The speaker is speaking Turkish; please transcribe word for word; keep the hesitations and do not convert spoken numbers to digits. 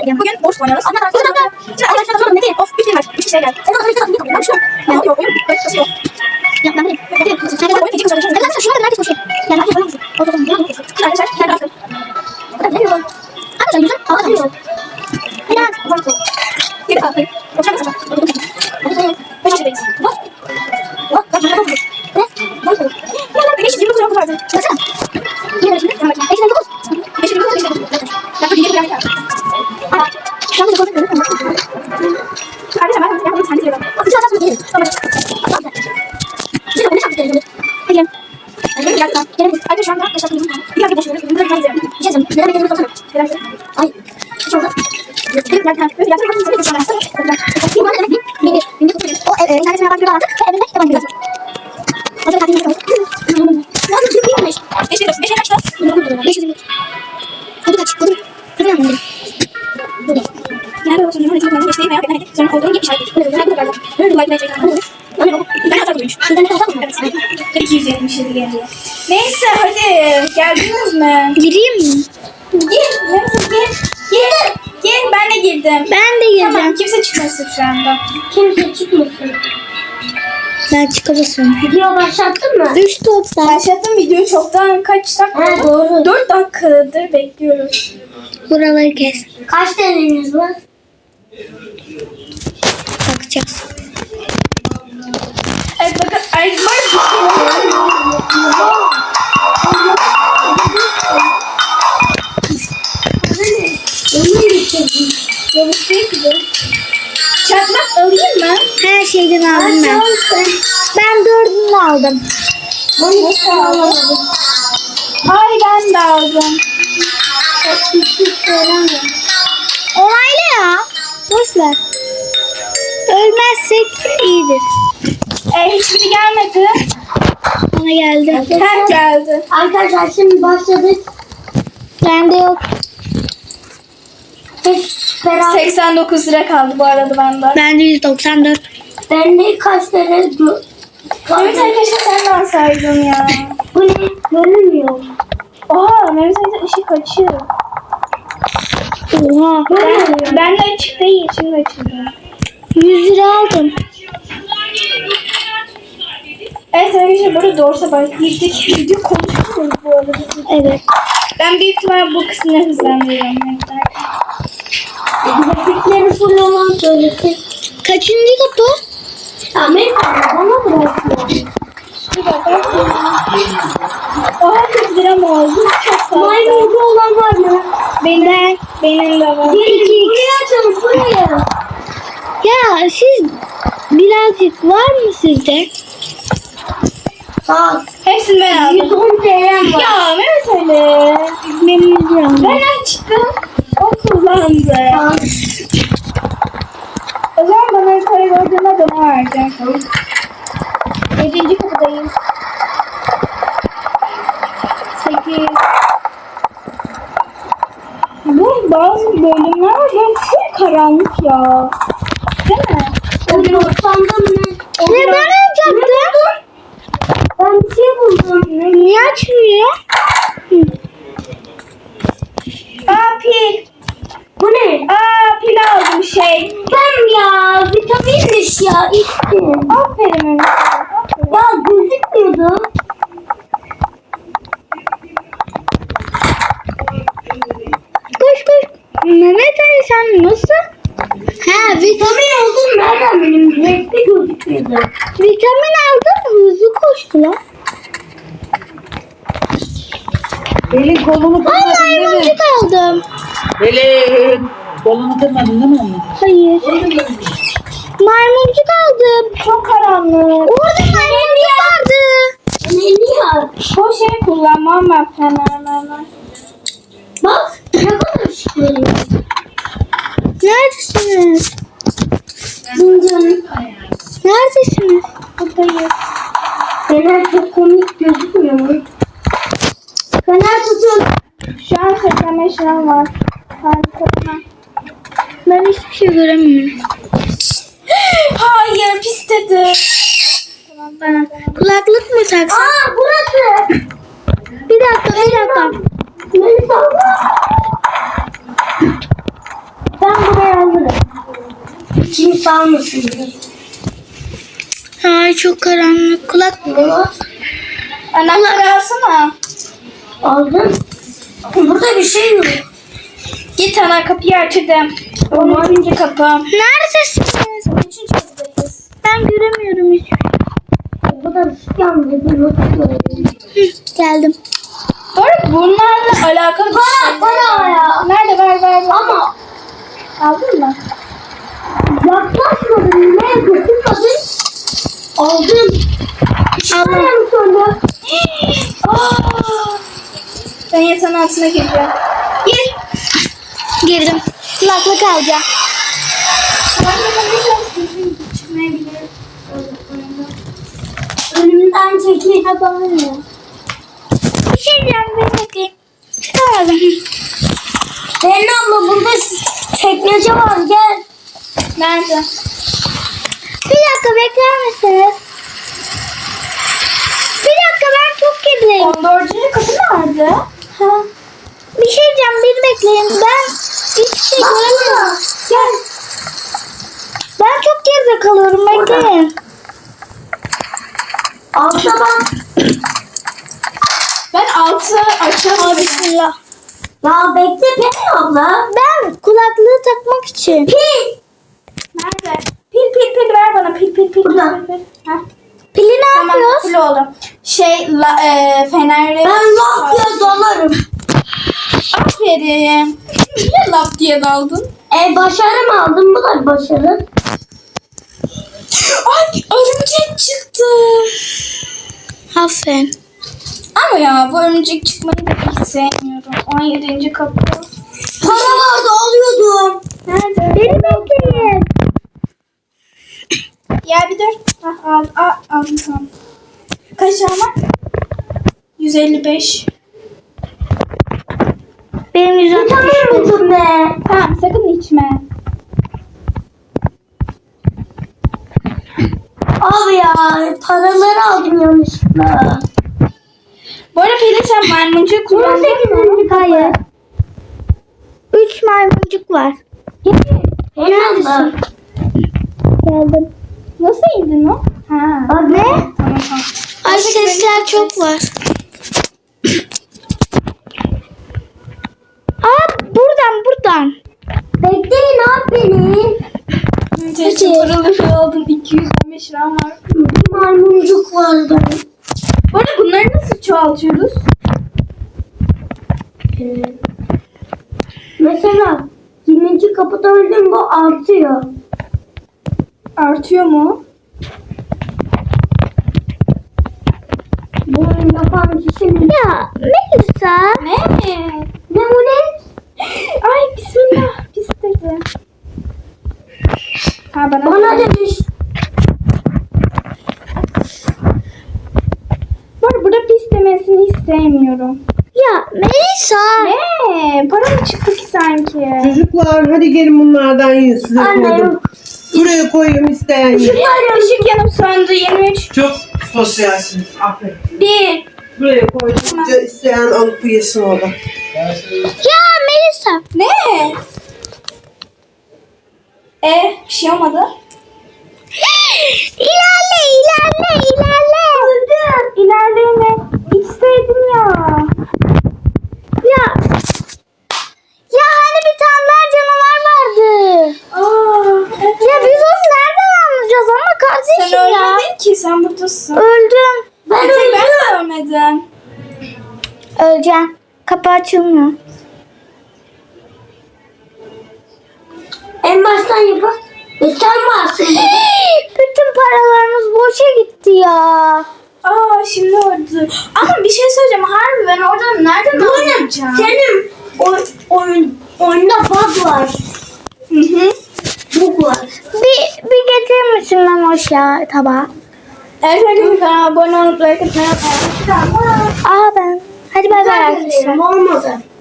Bugün boş oynuyoruz. Şimdi arkadaşlar soralım ne diyeyim? Of üç şey var. üç şey geldi. Sen arkadaşlar soralım ne kapıyı? Ben şu an. Ne oluyor oyun? Nasıl yok? Ya ben bileyim. Sen de oyun feci konuşuyorsun. Arkadaşlar şuna kadar herkes konuşuyor. Yani herkes oyun konuşuyor. O zaman ne yapıyorsun? Şimdi arkadaşlar sen kalkın. O kadar bilemiyorum. Arkadaşlar yüzüm hava atıyor. Biraz uzak ol. Geri kalkayım. Oturalım sana. Hadi sayın. Beş yaşındayız. Bak. Bak. Bak. Bak. Ne? Bak. Bak. beş yüz yirmi dokuz rakı vardı. Baksana. yirmi şimdi. Tamam. beş yüz dokuz. beş yüz dokuz. beş yüz dokuz. Ben de bir yere geldim. Aa. Şu anda dokuz görüyorum. Arkadaşlar ben yapmak istedim. Sen de bak. Şu an çok iyi. Tamam. Şimdi onu şarkı söyleyeceğim. Hadi gelin. Hadi gelin. Gelin. Arkadaşlar şu anda arkadaşlar bir yerde boşuyoruz. Bir yerde izleyelim. Bir şey diyeceğim. Neden beklediğimiz olsana. Ay. Hiç oldu. Benim yerden böyle gerçekten bakın size şu an aslında. Bir bana demek bir bir bir bir o ev internetin yabancı bir vardı. Ve evinde yabancı bir vardı. O da tatilde kaldı. Nasıl bir şeymiş? beş yüz beş kaçtı? beş yüz. Hadi kaç. Hadi. Hadi yandım. Hadi. Yani o sözün öyle çok geçtiği veya bedene sonra olduğun gibi işaret. Böyle böyle böyle. Böyle like like like. Öyle bak. Ben hata koymuş. İnternet hata mı? Evet. iki yüz yetmiş yedi geliyor. Neyse hadi. Geldiniz mi? Gireyim mi? Gir. Neyse gir. Gir. Gir. Ben de girdim. Ben de girdim. Tamam. Kimse çıkmasın şu anda. Kimse çıkmasın. Ben çıkabilirim. Video başlattın mı? Üç toplar. Başlattım videoyu çoktan kaç dakika? Ha doğru. dört dakikadır bekliyoruz. Buraları kes. Kaç deneniz var? Bakacağız. Evet bakın. Ay var. Onu getirdim. Yavuşlayı kızım. Çakmak alayım mı? Her şeyden aldım ben. Ben dördünü aldım. Bunu nasıl alamadım? Ay ben de aldım. Çok küçük söylemiyorum. Onayla ya. Boş ver. Ölmezsek iyidir. E, hiçbiri gelmedi. Bana geldi. Her geldi. Arkadaşlar şimdi başladık. Bende yok. Hep beraber. seksen dokuz lira kaldı bu arada bende. Bende yüz doksan dört. Bende kaç tane gö- Evet arkadaşlar sen de alsaydın ya. Bu ne? Görünmüyor. Oha Mehmet Ali'de ışık açıyor. Oha. Ben, ben de açık değil. Şimdi açıldı. yüz lira aldım. Evet arkadaşlar burada doğrusu bak girdik. Video konuşuyoruz bu arada. Evet. Ben büyük ihtimal bu kısmını hızlandırıyorum. Grafikleri full olan söylesin. Kaçıncı kapı? Amerika'da bana bırakıyor. Bir dakika. Oha kırk lira mı oldu? Çok fazla. Maymuncu olan var mı? Benim, benim de var. Gelin buraya açalım buraya. Ya siz birazcık var mı sizde? Sağ ol. Hepsini ben aldım. yüz on T L'm var. Ya Mehmet Ali. Benim yüz liram var. Ben açtım. O kullandı. Sağ ol. O zaman bana para gördüğüme de ne vereceksin? Yedinci kapıdayım. Sekiz. Bu bazı bölümler var. Ben çok karanlık ya. Değil mi? O doksan'da mı? Ne ben alacaktım? Ben bir şey buldum. Niye açmıyor? Aa pil. Bu ne? Aa pil aldım şey. Ben ya vitaminmiş ya içtim. Aferin Mehmet Ali, aferin. Ya gözükmüyordu. Koş koş. Mehmet Ali sen nasıl? Ha vitamin, Vitamin oldum nereden benim renkli gözükmüyordu. vitamin aldın hızlı koştu lan. Elin kolunu Aa kırmadın değil mi? maymuncuk aldım. Elin kolunu kırmadın değil mi onu? Hayır. Maymuncuk aldım. Çok karanlık. Orada maymuncuk vardı. Ne ya? Bu şey kullanmam ben fenerlerden. Bak ne kadar ışık veriyor. Neredesiniz? Zincanın. Neredesiniz? Buradayız. Fener çok komik gözükmüyor mu? Fener tutun. Şu an seksen beş liram var. Harika bana. Ben hiçbir şey göremiyorum. Hayır pis dedi. Bana kulaklık mı taksam? Aa burası. Bir dakika bir dakika. Beni salla. kimse almasın diye. Ay çok karanlık. Kulak Ne var? Anahtarı alsana. Aldım. Burada bir şey yok. Git ana kapıyı açtım. on üçüncü kapı. neredesiniz? Üçüncü kapıdayız. Ben göremiyorum hiç. Bu kadar ışık yandı. Bir not koyayım. Hı, geldim. Bu arada bunlarla alakalı bir Para, şey. para ya. Nerede ver ver ver. Ama Aldın mı? yaklaşmadım. Ne dokunmadın? Aldım. Çıkarım sonra. Aa! Ben yatağın altına gireceğim. Gir. Girdim. Kulaklık alacağım. Önümden çekil. Yapamıyorum. Bir şey diyeceğim. Ben bakayım. Çıkamadım. Benim abla burada çekmece var. Gel. Nerede? Bir dakika bekler misiniz? Bir dakika ben çok gerileyim. on dördüncü kapı nerede? Ha. Bir şey diyeceğim. Bir bekleyin. Ben hiçbir şey göremiyorum. Gel. Ben çok geride kalıyorum. Bekleyin. Altta bak. Ben altı açamıyorum. Bismillah. Ya bekle Pelin abla. Ben kulaklığı takmak için. Pil. Nerede? Pil pil pil ver bana pil pil pil. Burada. pil, pil. Heh. Pili ne Tamam yapıyoruz? pil oldu. Şey la, e, fenerle. Ben laf diye dalarım. Aferin. Niye laf diye daldın? E başarı mı aldın? Bu da bir başarı. Ay örümcek çıktı. Aferin. Ama ya bu örümcek çıkmayı da hiç sevmiyorum. on yedinci kapı. Para vardı alıyordum. Nerede? Beni bekleyin. Ya bir dur. Ah, al, al, al, tamam. Kaç ama? yüz elli beş. Benim yüzüm. Tutamıyor musun be? Tamam sakın içme. Abi ya paraları aldım yanlışlıkla. Bu arada Pelin sen maymuncuğu kullandın mı? Hayır. Üç maymuncuk var. Pelin abla. Geldim. Nasıl indin o? Ha. Bak ne? Tamam tamam. Ay sesler çok var. Aa buradan buradan. Bekleyin abi beni. Teşekkür pırıl şey aldın. iki yüz on beş liram var. Bir maymuncuk vardı. Bu arada bunları nasıl çoğaltıyoruz? Ee, mesela yirminci kapıda öldüm bu artıyor. Artıyor mu? Bunu yapan kişi mi? Ya Melisa. Ne? Ne bu ne? Ay bismillah. Pis dedi. Ha bana. Bana demiş. Bu arada burada pis demesini hiç sevmiyorum. Ya Melisa. Ne? Para mı çıktı ki sanki? Çocuklar hadi gelin bunlardan yiyin size Anne koydum. yok. Buraya koyayım isteyen yiyin. Işık, ışık yanıp söndü. yirmi üç. Çok sosyalsiniz. Aferin. Bir. Buraya koydum. İsteyen alıp yesin orada. Ya Melisa. Ne? E bir şey olmadı. İlerle ilerle ilerle. Öldüm. İlerleyeme. İçseydin ya. Ya. Ya hani bir tane daha canavar vardı. Aa, evet. Ya biz onu nereden anlayacağız ama Sen kardeşim ya. ölmedin ki. Sen buradasın. Öldüm. Ben öldüm. Ben de ölmedim. Öleceğim. Kapı açılmıyor. En baştan yapar. E sen varsın. Bütün paralarımız boşa gitti ya. Aa şimdi öldü. Ama bir şey söyleyeceğim. Harbi ben oradan nereden anlayacağım? Senin oy, oyun, oyunda bug var. Hı hı. Bug var. Bir, bir getirir misin lan hoş ya tabağı? Evet arkadaşlar kanalıma abone olup like atmayı unutmayın. Aa ben. Hadi bay bay arkadaşlar. Olmadı.